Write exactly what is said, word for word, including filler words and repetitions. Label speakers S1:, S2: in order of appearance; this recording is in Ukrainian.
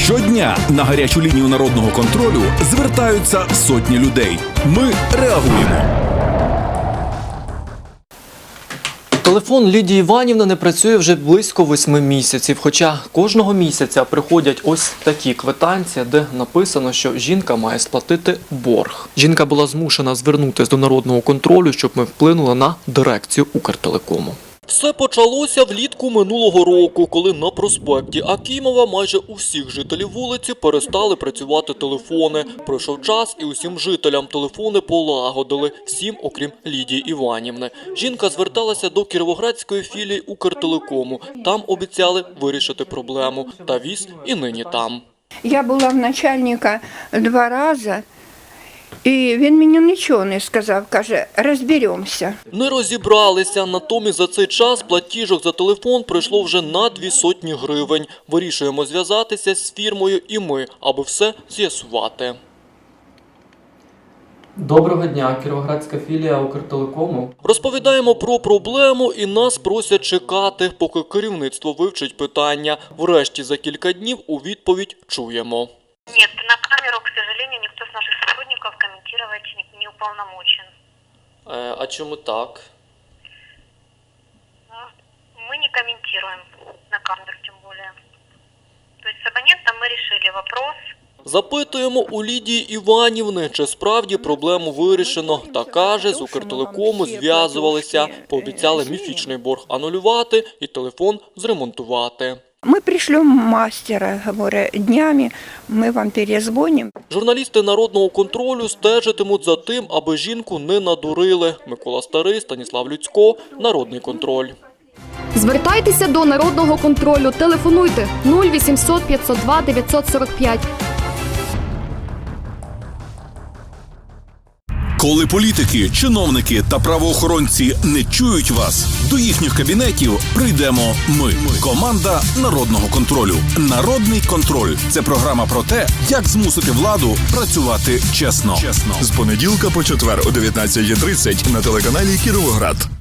S1: Щодня на гарячу лінію народного контролю звертаються сотні людей. Ми реагуємо.
S2: Телефон Лідії Іванівни не працює вже близько восьми місяців, хоча кожного місяця приходять ось такі квитанції, де написано, що жінка має сплатити борг. Жінка була змушена звернутися до народного контролю, щоб ми вплинули на дирекцію Укртелекому. Все почалося влітку минулого року, коли на проспекті Акімова майже у всіх жителів вулиці перестали працювати телефони. Пройшов час і усім жителям телефони полагодили, всім окрім Лідії Іванівни. Жінка зверталася до кіровоградської філії Укртелекому. Там обіцяли вирішити проблему. Та віз і нині там.
S3: Я була в начальника два рази. І він мені нічого не сказав, каже, розберемося.
S2: Не розібралися, натомість за цей час платіжок за телефон прийшло вже на дві сотні гривень. Вирішуємо зв'язатися з фірмою і ми, аби все з'ясувати. Доброго дня, кіровоградська філія Укртелекому. Розповідаємо про проблему і нас просять чекати, поки керівництво вивчить питання. Врешті за кілька днів у відповідь чуємо.
S4: Нет, на камеру, к сожалению, никто с наших сотрудников комментировать не, не уполномочен.
S2: Е, а чому так?
S4: Ну, мы не комментируем на камеру, тем более. То есть с абонентом мы решили вопрос.
S2: Запитуємо у Лідії Іванівни, чи справді проблему вирішено. Та каже, з Укртелекому зв'язувалися, пообіцяли міфічний борг анулювати і телефон зремонтувати.
S3: Ми пришлем мастера, говорю, днями ми вам перезвонимо.
S2: Журналісти народного контролю стежитимуть за тим, аби жінку не надурили. Микола Старий, Станіслав Люцько, Народний контроль.
S5: Звертайтеся до народного контролю. Телефонуйте нуль вісімсот п'ятсот два дев'ятсот сорок п'ять.
S1: Коли політики, чиновники та правоохоронці не чують вас, до їхніх кабінетів прийдемо ми. Команда Народного контролю. Народний контроль – це програма про те, як змусити владу працювати чесно.
S6: З понеділка по четвер о дев'ятнадцятій тридцять на телеканалі Кіровоград.